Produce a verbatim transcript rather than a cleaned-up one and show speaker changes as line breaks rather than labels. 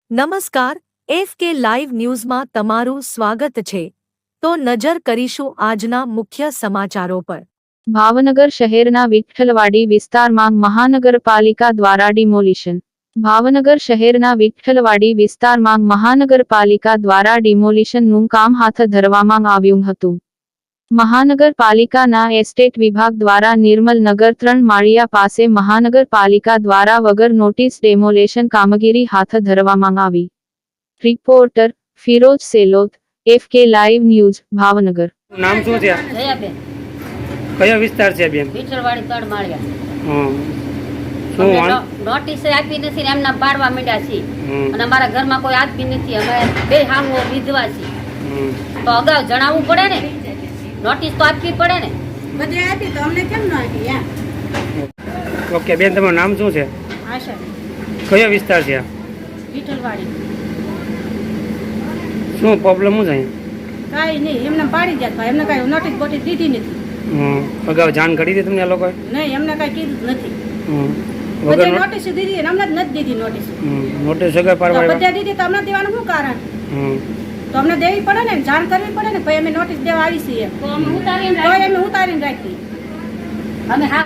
નમસ્કાર, F K live ન્યૂઝમાં તમારું સ્વાગત છે. તો નજર કરીશું આજના મુખ્ય સમાચારો પર.
ભાવનગર શહેરના વિઠ્ઠલવાડી વિસ્તારમાં મહાનગરપાલિકા દ્વારા ડિમોલિશન. ભાવનગર શહેરના વિઠ્ઠલવાડી વિસ્તારમાં મહાનગરપાલિકા દ્વારા ડિમોલિશનનું કામ હાથ ધરવામાં આવ્યું હતું. મહાનગરપાલિકાના એસ્ટેટ વિભાગ દ્વારા નિર્મલનગર ત્રણ માળિયા પાસે મહાનગરપાલિકા દ્વારા વગર નોટિસ ડેમોલેશન કામગીરી હાથ ધરવામાં આવી. Reporter Firoz Selot, F K live news, Bhavnagar.
નામ શું છે?
જયાબેન,
કયો વિસ્તાર છે બેન?
વિઠ્ઠલવાડી ત્રણ માળિયા.
હમ. શું
અમને
વાં-
નો- નોટિસ આપી નથી ને એમના પાડવા માંડ્યા છીએ.
હમ.
અને અમારા ઘરમાં કોઈ આપી નથી. અમે બે હામો વિધવા છીએ.
હમ.
તો અગાઉ જણાવવું પડે ને, નોટિસ તો આપવી પડે ને.
બધે આપી તો અમને કેમ ન આપી યાર?
ઓકે બેન, તમારું નામ શું છે?
આશા
કયો વિસ્તાર છે?
વિઠ્ઠલવાડી
શું પ્રોબ્લેમ શું છે?
કાંઈ નહીં, એમને પાડી જાય એમને કાંઈ નોટિસ બોટિસ દીધી નથી.
હમ. અગાઉ જાણ કરી હતી તમને આ લોકોએ?
નહીં, એમને કાંઈ કીધું જ નથી.
હમ.
બધે
વગર નો-
નોટિસ દીધી ને અમને જ નથી દીધી નોટિસ.
હમ. નોટિસ વગર
તો
પાડવા
બધે દીધી તો અમને દેવાનું શું કારણ?
હમ.
તો અમને દેવી પડે ને, જાણ કરવી પડે ને, ભાઈ અમે નોટિસ દેવા આવી છીએ.
તો અમે ઉતારીને
તો
રાખી.
અમે ઉતારીને રાખી.
અમે હા